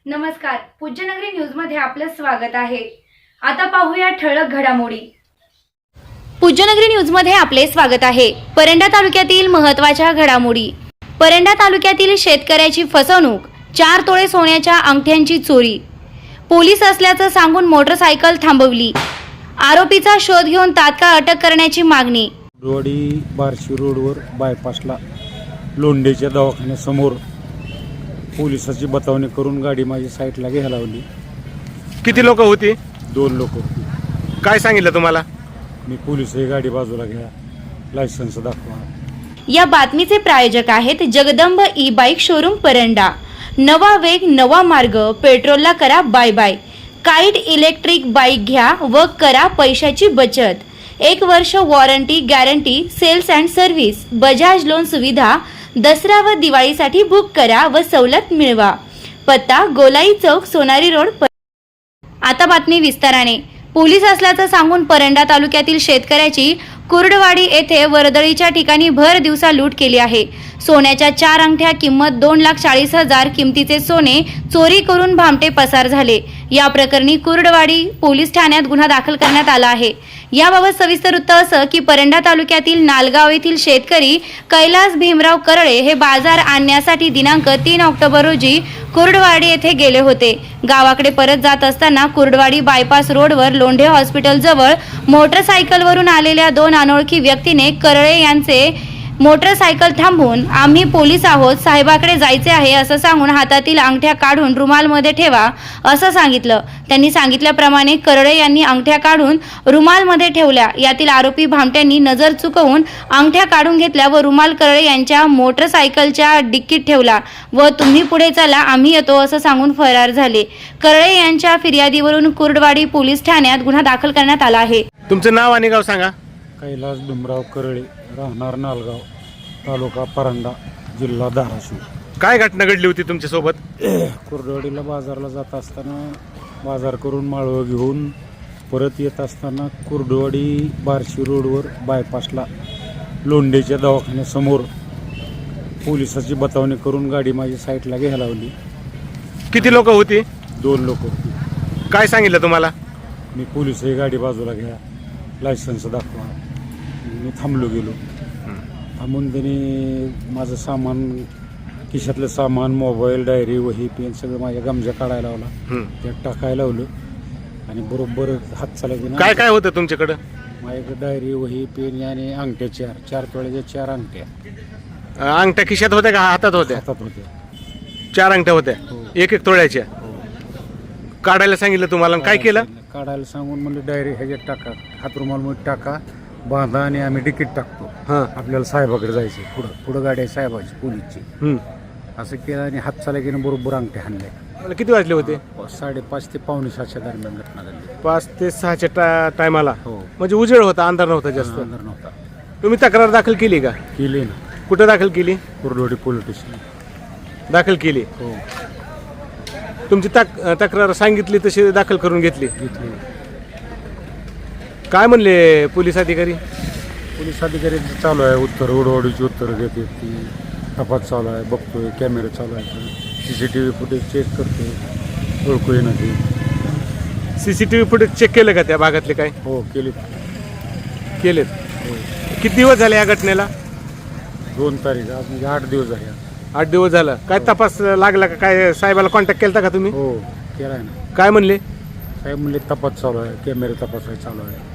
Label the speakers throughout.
Speaker 1: नमस्कार, पूज्यनगरी न्यूज मध्ये आपलं स्वागत आहे। आता पाहूया ठळक घडामोडी। पूज्यनगरी न्यूज मध्ये आपले स्वागत आहे। परंडा तालुक्यातील महत्त्वाच्या घडामोडी। परंडा तालुक्यातील शेतकऱ्याची फसवणूक, 4 तोळे सोन्याच्या अंगठ्यांची चोरी, पोलीस असल्याचं सांगून मोटरसायकल थांबवली, आरोपीचा शोध घेऊन तात्काळ अटक करण्याची मागणी।
Speaker 2: रोडी बार्शी रोडवर बायपासला लोंढेच्या दवाखान्यासमोर पोलिसाची बतावणी करून गाडी माझी साईडला घ्यायला लावली।
Speaker 3: किती लोक होती?
Speaker 2: 2 लोक होती।
Speaker 3: काय सांगितलं तुम्हाला?
Speaker 2: मी पोलीस ही गाडी बाजूला घ्या, लायसन्स दाखवा।
Speaker 1: या बातमीचे प्रायोजक आहेत Jagdamb e bike showroom Paranda. नवा वेग, नवा मार्ग, पेट्रोलला करा bye bye. Kite electric bike घ्या व करा पैशाची बचत। 1 वर्ष warranty guarantee, sales and service, Bajaj loan सुविधा। दसरा व दिवाळीसाठी बुक करा व सवलत मिळवा। पत्ता गोलाई चौक, सोनारी रोड। आता बातमी विस्ताराने। पोलीस असल्याचं सांगून परंडा तालुक्यातील शेतकऱ्याची कुर्डवाडी येथे वर्दळीच्या ठिकाणी भर दिवसा लूट केली आहे। सोन्याच्या 4 अंगठ्या किंमत 2,40,000 किमतीचे सोने चोरी करून भामटे पसार झाले। या प्रकरणी कुर्डवाडी पोलीस ठाण्यात गुन्हा दाखल करण्यात आला आहे। याबाबत सविस्तर वृत्त असं की परंडा तालुक्यातील नालगाव येथील शेतकरी कैलास भीमराव करळे हे बाजार आणण्यासाठी दिनांक 3 ऑक्टोबर रोजी कुर्डवाडी येथे गेले होते। गावाकडे परत जात असताना कुर्डवाडी बायपास रोडवर लोंढे हॉस्पिटल जवळ मोटरसायकलवरून आलेल्या 2 अनोळखी व्यक्तीने करळे यांचे मोटरसायकल थांबवून आम्ही पोलीस आहोत, साहेबाकडे जायचे आहे असं सांगून हातातील अंगठ्या काढून रुमालमध्ये ठेवा असं सांगितलं। त्यांनी सांगितल्याप्रमाणे करळे यांनी अंगठ्या काढून रुमालमध्ये ठेवल्या। यातील आरोपी भामट्यांनी नजर चुकवून अंगठ्या काढून घेतल्या व रुमाल करळे यांच्या मोटरसायकलच्या डिक्कीत ठेवला व तुम्ही पुढे चला, आम्ही येतो असं सांगून फरार झाले। करळे यांच्या फिर्यादीवरून कुर्डवाडी पोलीस ठाण्यात गुन्हा दाखल करण्यात आला आहे।
Speaker 3: तुमचं नाव आणि गाव सांगा।
Speaker 2: कैलास भीमराव करळे, राहणार नालगाव, तालुका परंडा, जिल्हा धाराशिव।
Speaker 3: काय घटना घडली होती तुमच्या सोबत?
Speaker 2: कुर्डवाडीला बाजारला जात असताना बाजार करून माळवं घेऊन परत येत असताना कुर्डवाडी बार्शी रोडवर बायपासला लोंढेच्या दवाखान्यासमोर पोलिसाची बतावणी करून गाडी माझी साईडला घ्यायला लावली।
Speaker 3: किती लोक होती?
Speaker 2: 2 लोक होती।
Speaker 3: काय सांगितलं तुम्हाला?
Speaker 2: मी पोलीस ही गाडी बाजूला घ्या, लायसन्स दाखवा। मी थांबलो गेलो। थांबून त्यांनी माझं सामान, खिशातलं सामान, मोबाईल, डायरी, वही, पेन सगळं माझ्या गमजा काढायला लावला, त्यात टाकायला लावलं आणि बरोबर हात चालायचे।
Speaker 3: काय काय होतं तुमच्याकडं?
Speaker 2: माझ्याकडे डायरी, वही, पेन आणि अंगठ्या 4 तोळ्याच्या 4 अंगठ्या।
Speaker 3: अंगठ्या खिशात होत्या का हातात होत्या?
Speaker 2: हातात होत्या।
Speaker 3: 4 अंगठ्या होत्या, 1-1 तोळ्याच्या। काढायला सांगितलं तुम्हाला, काय केलं?
Speaker 2: काढायला सांगून म्हणलं डायरी ह्याच्यात टाका, हातरुमालमध्ये टाका, बांधा आणि आम्ही तिकीट टाकतो। आपल्याला साहेबाकडे जायचं, पुढं गाडी आहे साहेबाची, पोलीसची। असं केलं आणि हात चाला गेलं, बरोबर अंगठे हाणले।
Speaker 3: किती वाजले होते?
Speaker 2: 5:30 ते 5:45 दरम्यान घटना घडली।
Speaker 3: 5 ते 6च्या टायमाला?
Speaker 2: हो।
Speaker 3: म्हणजे उजेड होता, अंधार नव्हता जास्त?
Speaker 2: अंधार नव्हता।
Speaker 3: तुम्ही तक्रार दाखल केली का?
Speaker 2: केली ना।
Speaker 3: कुठं दाखल केली?
Speaker 2: कुर्डवाडी पोलीस स्टेशन
Speaker 3: दाखल केली।
Speaker 2: हो।
Speaker 3: तुमची तक्रार सांगितली तशी दाखल करून घेतली? काय म्हणले पोलीस अधिकारी?
Speaker 2: पोलीस अधिकारी चालू आहे, उत्तर उडवाडीची उत्तर घेते, ती तपास चालू आहे, बघतोय, कॅमेरे चालू आहे, CCTV फुटेज चेक करतोय, ओळखू येणं ते।
Speaker 3: CCTV फुटेज चेक केलं का त्या भागातले? काय
Speaker 2: हो केले।
Speaker 3: केलेत? किती दिवस झाले या घटनेला?
Speaker 2: 2 तारीख, आज म्हणजे 8 दिवस झाले।
Speaker 3: 8 दिवस झालं। काय तपास लागला का? काय साहेबाला कॉन्टॅक्ट केला का तुम्ही?
Speaker 2: हो केला ना।
Speaker 3: काय म्हणले
Speaker 2: साहेब? म्हणले तपास चालू आहे, कॅमेरे तपासाय चालू आहे।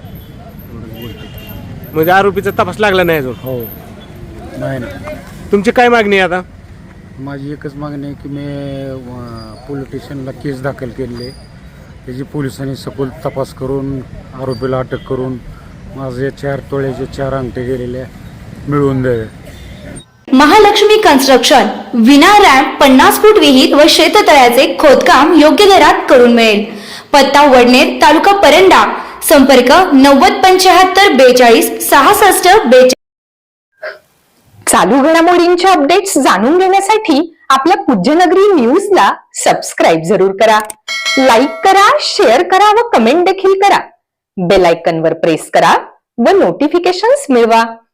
Speaker 3: म्हणजे आरोपीचा तपास लागला नाही अजून?
Speaker 2: हो नाही ना।
Speaker 3: तुमची काय मागणी आहे आता?
Speaker 2: माझी एकच मागणी आहे की मी पोलीस स्टेशनला केस दाखल केली आहे, त्याची पोलिसांनी सखोल तपास करून आरोपीला अटक करून माझे 4 तोळ्याचे 4 अंगठे गेलेले मिळवून द्यावे।
Speaker 1: महालक्ष्मी कन्स्ट्रक्शन विना रॅम्प, 50 फूट विहीर व शेततळ्याचे खोदकाम योग्य दरात करून मिळेल। पत्ता वडनेर, तालुका परंडा। संपर्क 907542 6642।
Speaker 4: चालू घडामोडींच्या अपडेट्स जाणून घेण्यासाठी आपल्या पूज्यनगरी न्यूजला सबस्क्राईब जरूर करा, लाईक करा, शेअर करा व कमेंट देखील करा। बेल आयकॉनवर प्रेस करा व नोटिफिकेशन्स मिळवा।